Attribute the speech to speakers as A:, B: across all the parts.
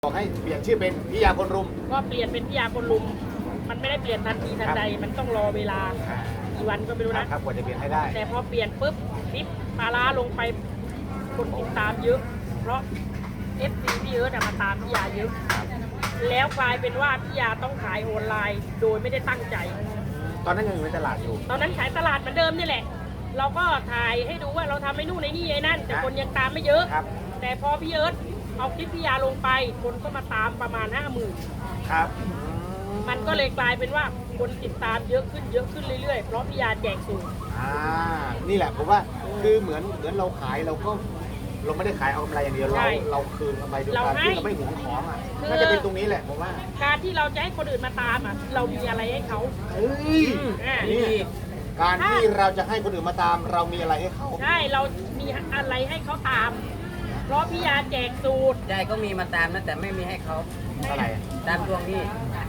A: บอกให้เปลี่ยนชื่อเป็นพิยาคนรุม
B: ก็เปลี่ยนเป็นพิยาคนลุมมันไม่ได้เปลี่ยนทันทีทันใดมันต้องรอเวลากี่วันก็ไม่รู้นะครับ
A: กว่าจะเปลี่ยนให้ได้
B: แต่พอเปลี่ยนปุ๊บคลิปปลาร้าลงไปคนติดตามเยอะเพราะ FC พี่เอิร์ธมาตามพิยาเยอะแล้วกลายเป็นว่าพิยาต้องขายออนไลน์โดยไม่ได้ตั้งใจ
A: ตอนนั้นยังอยู่ในตลาดอยู่
B: ตอนนั้นขายตลาดเหมือนเดิมนี่แหละเราก็ถ่ายให้ดูว่าเราทำไอ้นู่นไอ้นี่ไอ้นั่นแต่คนยังตามไม่เยอะแต่พอพี่เอิร์ธเอาคลิปพิยาลงไปคนก็มาตามประมาณ 50,000
A: ครับ
B: มันก็เลยกลายเป็นว่าคนติดตามเยอะขึ้นเรื่อยๆเพราะพิยาแจกสูตร
A: นี่แหละผมว่าคือเหมือนเราขายเราก็เราไม่ได้ขายเอากำไรอย่างเดียวเราคืนกำไรด้วยการที่เราไม่หวงของน่าจะเป็นตรงนี้แหละผมว่า
B: การที่เราจะให้คนอื่นมาตามเรามีอะไรให้เขา
A: นี่การที่เราจะให้คนอื่นมาตามเรามีอะไรให้เขา
B: ใช่เรามีอะไรให้เขาตามเพราะพิยาแจกสูตร
C: ยายก็มีมาตามนะแต่ไม่มีให้เขา
A: อะไร
C: ตามดวงนี่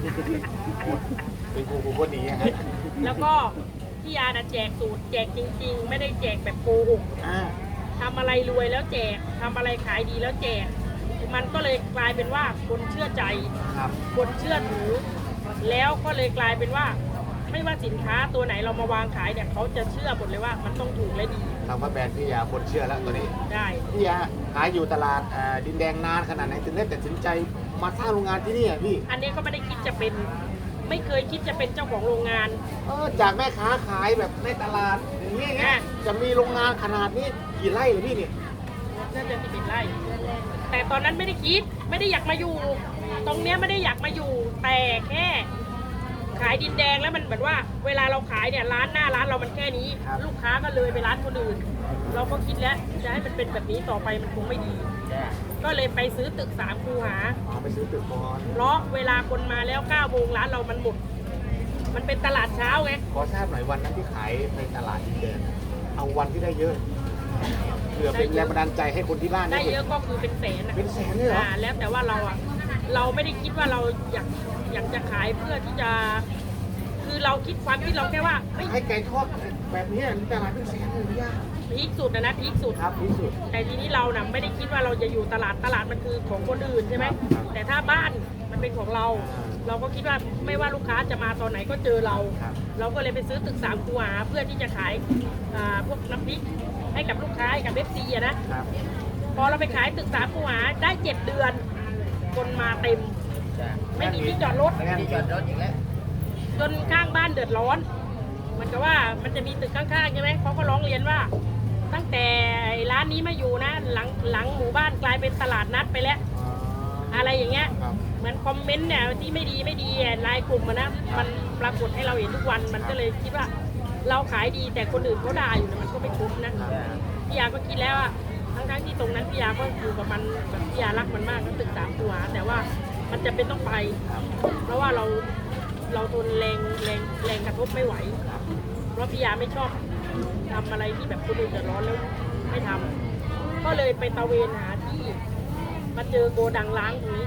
A: เป็นกูคนนี้ฮะ
B: แล้วก็พิยาแจกสูตรแจกจริงๆไม่ได้แจกแบบโกหกทำอะไรรวยแล้วแจกทำอะไรขายดีแล้วแจกมันก็เลยกลายเป็นว่าคนเชื่อใจคนเชื่อถือแล้วก็เลยกลายเป็นว่าไม่ว่าสินค้าตัวไหนเรามาวางขายเนี่ยเขาจะเชื่อหมดเลยว่ามันต้องถูกและดี
A: คำว่าแบรนด์พิยาคนเชื่อแล้วตัวนี้
B: ได้
A: พิยาขายอยู่ตลาดดินแดงนานขนาดไหนถึงได้ตัดสินใจมาสร้างโรงงานที่นี่พี่
B: อันนี้ก็ไม่ได้คิดจะเป็นไม่เคยคิดจะเป็นเจ้าของโรงงาน
A: จากแม่ค้าขายแบบในตลาดอย่างนี้ไงจะมีโรงงานขนาดนี้กี่ไร่เลยพี่เนี่ย
B: น่าจะ11 ไร่แต่ตอนนั้นไม่ได้คิดไม่ได้อยากมาอยู่ตรงเนี้ยไม่ได้อยากมาอยู่แต่แค่ขายดินแดงแล้วมันเหมือนว่าเวลาเราขายเนี่ยร้านหน้าร้านเรามันแค่นี้ลูกค้าก็เลยไปร้านคนอื่นเราก็คิดแล้วจะให้มันเป็นแบบนี้ต่อไปมันคงไม่ดีก็เลยไปซื้อตึก3 คูหา
A: ไปซื้อตึกก่อน
B: เพราะเวลาคนมาแล้ว9 โมงร้านเรามันหมดมันเป็นตลาดเช้าไง
A: ขอทราบหน่อยวันนั้นที่ขายในตลาดดินแดงเอาวันที่ได้เยอะเพื่อเป็นแรงบันดาลใจให้คนที่บ้าน
B: ได้เยอะก็คือเป็นแสน
A: เป็นแสนเลยเหรอ
B: แล้วแต่ว่าเราไม่ได้คิดว่าเราอยากจะขายเพื่อที่จะคือเราคิดความคิดเราแค่ว่า
A: ให้ไก่ทอดแบบนี้ตลาดเป็นแสนเลยพี่
B: พีคสุดนะพีคสุด
A: ครับพีคสุด
B: แต่ทีนี้เราไม่ได้คิดว่าเราจะอยู่ตลาดมันคือของคนอื่นใช่ไหมแต่ถ้าบ้านมันเป็นของเราเราก็คิดว่าไม่ว่าลูกค้าจะมาตอนไหนก็เจอเราก็เลยไปซื้อตึก3 คูหาเพื่อที่จะขายพวกน้ำพริกให้กับลูกค้าให้กับFCนะพอเราไปขายตึก3 คูหาได้ 7 เดือนคนมาเต็มไม่มีที่จอดรถ
C: ที่จอดรถอีกแล้ว
B: จนข้างบ้านเดือดร้อนมันก็ว่ามันจะมีตึกข้างๆใช่ไหมเขาก็ร้องเรียนว่าตั้งแต่ร้านนี้มาอยู่นะหลังหมู่บ้านกลายเป็นตลาดนัดไปแล้วอะไรอย่างเงี้ยเหมือนคอมเมนต์เนี่ยที่ไม่ดีไลน์กลุ่มนะมันปรากฏให้เราเห็นทุกวันมันก็เลยคิดว่าเราขายดีแต่คนอื่นเขาด่าอยู่มันก็ไม่คุ้มนะพี่ยาก็คิดแล้วว่าทั้งที่ตรงนั้นพี่ยาก็อยู่กับมันแบบพี่ยารักมันมากก็ตึก3 ตัวแต่ว่ามันจะเป็นต้องไปเพราะว่าเราทนแรงกระทบไม่ไหวเพราะพี่ยาไม่ชอบทำอะไรที่แบบคนอื่นเดือดร้อนแล้วไม่ทำก็เลยไปตะเวนหาที่มาเจอโกดังล้างตรงนี้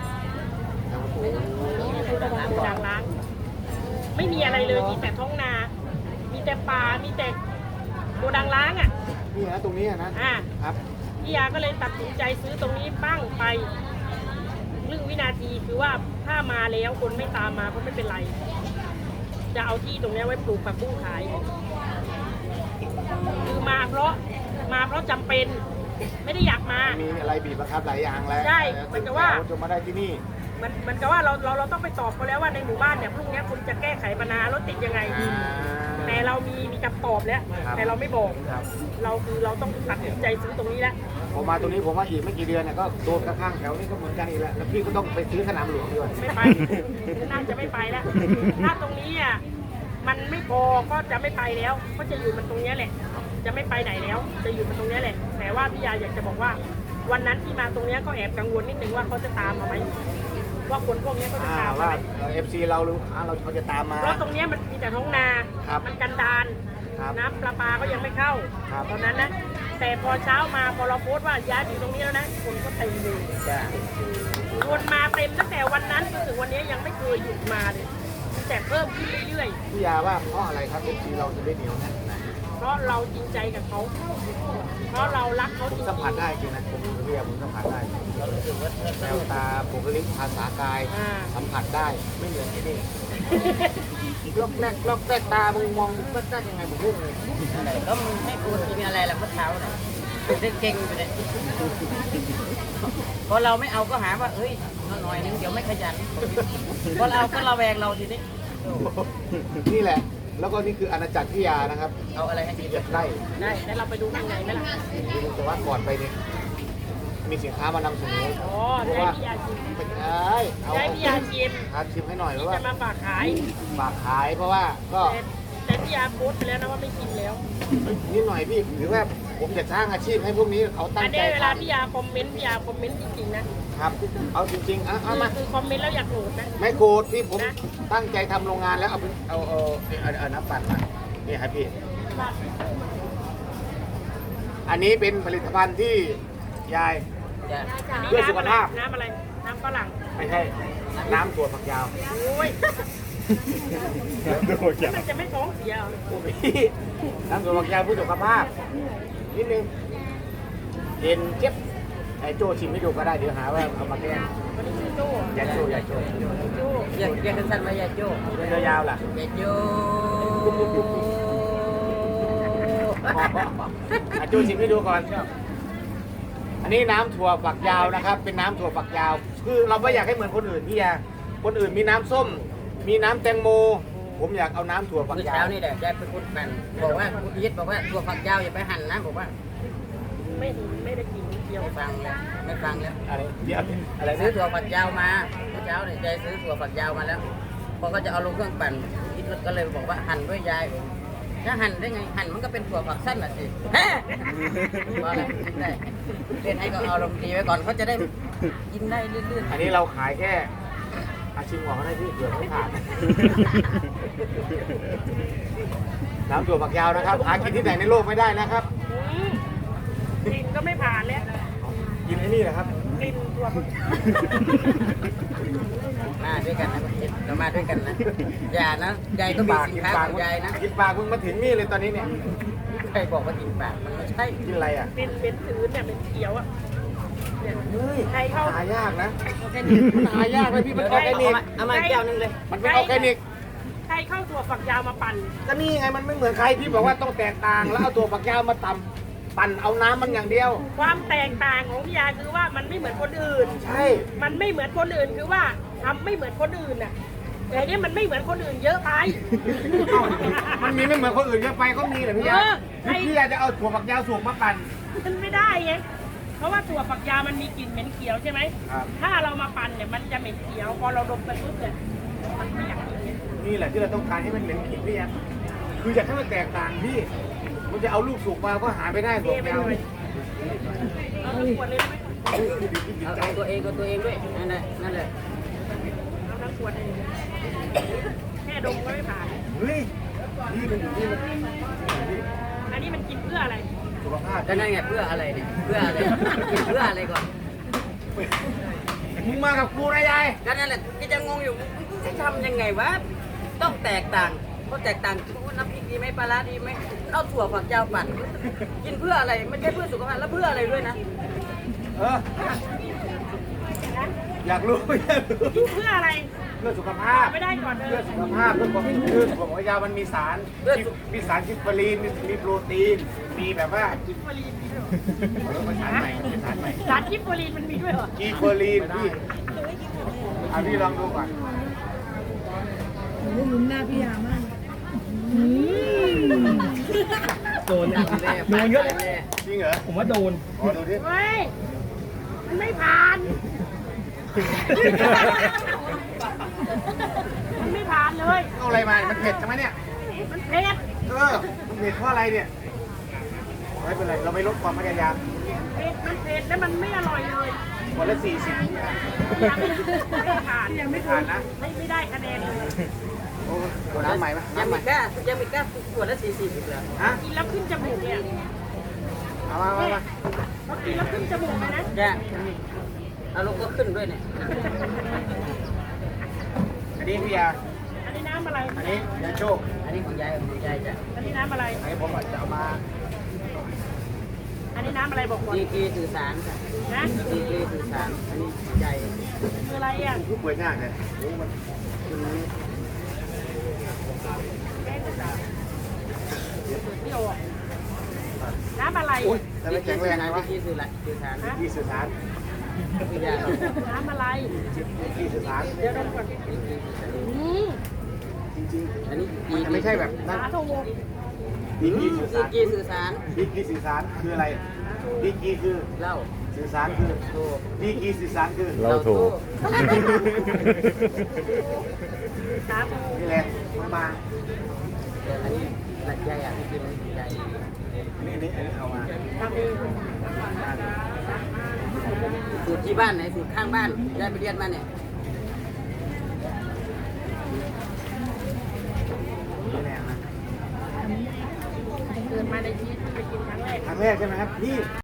B: โกดังล้างไม่มีอะไรเลยมีแต่ท้องนามีแต่ป่ามีแต่โกดังล้าง
A: นี่นะตรงนี้นะครับ
B: พี่ยาก็เลยตัดสินใจซื้อตรงนี้ปั้งไปครึ่งวินาทีคือว่าถ้ามาแล้วคนไม่ตามมาก็ไม่เป็นไรจะเอาที่ตรงนี้ไว้ปลูกผักบุ้งขายคือมาเพราะจำเป็นไม่ได้อยากมา
A: มีอะไรบีบบังคับหลายอย่างแล้ว
B: ใช่เหมือนกับว่า
A: จะมาได้ที่นี่
B: มันก็ว่าเราต้องไปตอบเขาแล้วว่าในหมู่บ้านเนี่ยพรุ่งนี้คุณจะแก้ไขปัญหารถติดยังไงแต่เรามีคำตอบแล้วแต่เราไม่บอกเราต้องตัดสินใจซื้อตรงนี้แล้ว
A: พอมาตรงนี้ผมว่าอีกไม่กี่เดือนเนี่ยก็โดนข้างๆแถวนี้ก็เหมือนกันอีกแล้วแล้วพี่ก็ต้องไปซื้อสนามหลวงด้วย
B: ไม่ไปน่าจะไม่ไปแล้วถ้าตรงนี้มันไม่พอก็จะไม่ไปแล้วก็จะอยู่มันตรงนี้แหละจะไม่ไปไหนแล้วจะอยู่มันตรงนี้แหละแต่ว่าพี่ยาอยากจะบอกว่าวันนั้นที่มาตรงนี้ก็แอบกังวลนิดนึงว่าเขาจะตามมาไหมว่าคนพวกนี้เขาจะตาม
A: ว่าFC เราหรือเขาจะตามมา
B: เพราะตรงนี้มันมีแต่ท้องนามันกันดานน้ำประปาก็ยังไม่เข้าตอนนั้นนะแต่พอเช้ามาพอเราโพสต์ว่าย้ายอยู่ตรงนี้แล้วนะคนก็เต็มเลยคนมาเต็มตั้งแต่วันนั้นจนถึงวันนี้ยังไม่เคยหยุดมาเลยแต่เพิ่มขึ้นเรื่อย
A: ๆพี่ยาว่าเพราะอะไรครับ FC เราจะได้เหนียวแน่นขนาดนี้
B: เพราะเราจริงใจกับเขาเพราะเรารักเขา
A: ผ
B: จ
A: ม
B: ริง
A: สัมผัส
B: ๆ
A: ได้จริงนะผมเรียกผมสัมผัสได้แววตาบุคลิกภาษากายสัมผัสได้ไม่เหมือนที่นี่ล็อกแรกตามึงมองแรกยังไงผมพูดเลย
C: อะไรก็มึงให้กูกินอะไรล่ะเมื่อเช้านะเด็กเก่งอยู่เลยพอเราไม่เอาก็หาว่าเอ้ยหน่อยนึงเดี๋ยวไม่ขยันพอเราก็ระแวงเราทีนี้
A: นี่แหละ แล้วก็นี่คืออาณาจักรพิยานะครับ
C: เอาอะไรให้กิน
A: เจ็ดไร่
B: ได้แล้วเราไปดูข้างในไหมล่ะ
A: แต่ว่าก่อนไปเนี่ยมีสินค้ามานำเสนอ
B: อ๋อ
A: เพราะ
B: ได้
A: ว่า
B: พี่ยาชิม
A: เป็นไอ้เอา
B: ได้พี่ยาชิม
A: ครับชิมให้หน่อยเพ
B: ที่
A: ราะว่า
B: จะมาฝากขาย
A: ฝากขายเพราะว่าก็
B: แต่พี่ยาโพสต์ไปแล้วนะว่าไม่กินแล้ว
A: นิดหน่อยพี่หรือว่าผมจะสร้างอาชีพให้พวกนี้เขาตั้
B: อั
A: ง
B: น
A: ใจ
B: นี้เวลา
A: ทำ
B: พี่ยาคอมเมนต์พี่ยาคอมเมนต์จริงๆนะครับ
A: เอาจริงๆเอามา
B: คือคอมเมนต์แล้วอยากโหลดนะ
A: ไม่โกรธพี่ผม
B: นะ
A: ตั้งใจทำโรงงานแล้วเอาน้ำปั่นมานี่ครับพี่อันนี้เป็นผลิตภัณฑ์ที่ยาย
C: จะ
A: เพื่อสุขภาพ
B: น้ำอะไรน้ำฝรั่ง
A: ไม่ใช่น้ำตัวฝักยาว
B: โอ้ยมันจะไม่ท้องเสียเหรอ
A: พี่น้ำตัวฝักยาวเพื่อสุขภาพนิดนึงเย็นเจ็บไอ้โจชิมให้ดูก็ได้เดี๋ยวหาว่าเอามาแกล้ง
B: วันนี้ชื่อโจ้
A: ยายโจ
B: โจ้
C: เรียกสั้นๆว่ายาโจ้
A: ยาวๆล่ะ
C: ยาโจ้
A: อาจูชิมให้ดูก่อน อันนี้น้ำถั่วฝักยาวนะครับ เป็นน้ำถั่วฝักยาว คือเราไม่อยากให้เหมือนคนอื่นพี่ยาคนอื่นมีน้ำส้ม มีน้ำแตงโม ผมอยากเอาน้ำถั่วฝัก
C: เมื่อย
A: า
C: เช้าว นี่แหละยายไปพูดกันบอกว่าคุณยิดบอกว่าตัวฝักยาวอย่าไปหั่นนะบอกว่า
B: ไม่ได้กินเดียว
C: ไม่ฟังแล้วไม่ฟังแล้ว
A: อะไรเดี๋ยวอะไร
C: ซื้อ
A: นะ
C: ถั่วฝักยาวมาเมื่อเช้าเนี่ยยายซื้อถั่วฝักยาวมาแล้วพอก็จะเอาลงเครื่องปั่นคิดก็เลยบอกว่าหั่นด้วยยายถ้าหั่นได้ไงหั่นมันก็เป็นถั่วฝักสั้นน่ะสิแฮ่ว่าอะไรคิดได้เล่นให้ก็เอาลงดีไว้ก่อนเขาจะได้กินได้เรื่อย
A: อันนี้เราขายแค่อาชิมก่อนก็ได้พี่เผื่อไม่ผ่าน น้ำถั่วฝักยาวนะครับ หากินที่ไหนในโลกไม่ได้นะครับ
B: กลิ่นก็ไม่ผ่านแล้ว
A: กินไอ้นี่แหละครับ
B: กลิ่นตัว
C: ๆมาด้วยกันนะเรามาด้วยกันนะอย่านะยายก็มีสินค้าของยายนะ
A: กินปากมึงมาถึงนี่เลยตอนนี้เนี่ย
C: ใครบอกว่ากินปากมันไม่ใช่
A: กินอะไรอ่ะ
B: เป็นถือเนี่ยเป็นเขียวอ่ะเนี่ย
A: เฮ้ย
B: ใครเข้า
A: หายากนะมันหายากเลยพี่มันออร์แกนิก
C: เอามาแก้วนึงเลย
A: มันเป็นออร์แกนิก
B: ใครเข้าถั่วฝักยาวมาปั่น
A: ก็นี่ไงมันไม่เหมือนใครพี่บอกว่าต้องแตกต่างแล้วเอาตัวฝักยาวมาตำปั่นเอาน้ำมันอย่างเดียว
B: ความแตกต่างของพี่ยาคือว่ามันไม่เหมือนคนอื่น
A: ใช่
B: มันไม่เหมือนคนอื่นคือว่าทำไม่เหมือนคนอื่นน่ะแต่เนี่ยมันไม่เหมือนคนอื่นเยอะไป
A: มันมีไม่เหมือนคนอื่นเยอะไปก็มีแหละพี่ยา พี่ยาจะเอาถั่วฝักยาวสูบมาปั่น
B: มันไม่ได้ไงเพราะว่าถั่วฝักยาวมันมีกลิ่นเหม็นเขียวใช่ไหม
A: ครับ
B: ถ้าเรามาปั่นเนี่ยมันจะเหม็นเขียว พอเราดมไปปุ๊บเนี่ยมันไม่อยากกินเนี่ย
A: นี่แหละที่เราต้องการให้มันเหม็นกลิ่นพี่ยาคืออยากให้มันแตกต่างพี่มันจะเอาลูกสุกมาก็หาไม่ได้
B: เท
A: ถั่วฝัก
B: ไป
A: ยาว
B: เลยเอาทั้งขวดเลยได้ไหม
C: เอาตัวเองด้วยนั่นแหละ
B: เอาทั้งขวดเลยแค่ดมก็ไม่ผ่าน
A: เฮ้ยนี่มัน
B: อันนี้มันกินเพื่ออะไร
A: สุขภาพ
C: ก็นั่นไงเพื่ออะไรเนี่ยเพื่ออะไรกินเพื่ออะไรก่อน
A: มึงมากับกูนะยาย
C: ก็นั่นแหละก็จะงงอยู่มึงจะทำยังไงวะต้องแตกต่างเพราะแตกต่างน้ำพริกดีไหมปลาร้าดีไหมข้าวถั่วฝักยาวปั่นกินเพื่ออะไรไม่ใช่เพื่อสุขภาพแล้วเพื่ออะไรด้วยนะ
A: เอออยากรู้
B: กินเพื่ออะไร
A: เพื่อสุขภาพ
B: ไม่ได้ก่อนเล
A: เพื่อย สุขภาพเพื่อความคือถั่วฝักยาวมันมีสารมีสารกิฟเฟอรีนมีโปรตีนมีแบบว่า
B: กิฟเฟอรีนมีด้วยเหรอ
A: เป็นสารใหม่เป็นสารใหม่
B: สารกิฟเฟอรีนมันมีด้วยเหรอ
A: กีเฟอรีนพี่เอาพี่ลองดูก่อน
D: ลุ้นหน้าพี่ยามาก
E: โดน
C: โด
E: โดนเยอะเลย
A: จริงเหรอ
E: ผมว่าโดน
A: ขอดูดิ
B: เฮ้ย มันไม่ผ่าน มันไม่ผ่านเลย
A: เอาอะไรมามันเผ็ดใช่ไหมเนี่ย
B: มันเผ็ด
A: มันเผ็ดเพราะอะไรเนี่ยไม่เป็นไรเราไม่ลดความพยายาม
B: มันเผ็ดแล้วมันไม่อร่อยเลย
A: วันละ40
B: ยังไม่ผ่าน
A: ไม่ผ่านนะ
B: ไม่ได้คะแนนเลย
A: โอ้ตัวน้ำใหม่ไหม
C: ยัง
A: น้ำให
C: มี
A: ม่
C: กล้าขวดละ40อีกเหรอ
A: ฮะ
B: กินแล้วขึ้นจมูกเนี่ย
A: เอามา
B: พอกินแล้วขึ้นจมูกเลยนะ
C: แกอารมณ์ก็ขึ้นด้วยเนี่ย
A: อันนี้พี่ยา
B: อันนี้น้ำำอะไร
A: อันนี้ยาโชค
C: อันนี้ของยายจ้ะ
B: อันนี้น้ำอะไร
A: อันนี้ผมอาจจะเอามา
B: อันนี้น้ำอะไรบอกก่อน
C: ดีกรีสื่อสารค่ะ
B: นะ
C: ดีกรีสื่อสารอันนี้ของยาย
B: คืออะไรอ่ะ
A: ผู้ป่วยยากเลยโอ้มัน
C: คุณนี้
B: แป้งต่างๆที่ออกน้ำอะไร
A: โอ้ยแต่ไม่แข็งแรงไงวะ
C: ดีกรีสื่อสาร
A: ที่สื่อสาร
C: คือยาเรา
B: น้ำอะไร
A: ที่สื่อสาร
B: เดี๋ยวเราก่อนอืม
A: จริง
C: อันนี้
A: ๆมันจะไม่ใช่แบบนั้น
B: สาโท
A: ดีกรีสื่อ
C: ดี
A: สาร
C: กรีสื่อสาร
A: ดีกรีสื่อสารคืออะไรดีกรีคือ
C: เล่า
A: สื่อสารคือ
C: โทร
A: ดีกรีสื่อสารคือ
E: เราถูก
B: สาโท
A: นี่แหละมา
C: แต่อันนี้หลักยายอ่ะที่กินยาย
A: อันนี้เอามา
B: ทำเอง
C: สูตรที่บ้านไหนสูตรข้างบ้านยายไปเรียนมาเนี่ย
A: นี่แหละนะ
B: เกิดมาในชีวิตที่ไปกินครั้งแรก
A: ครั้งแรกใช่ไหมครับนี่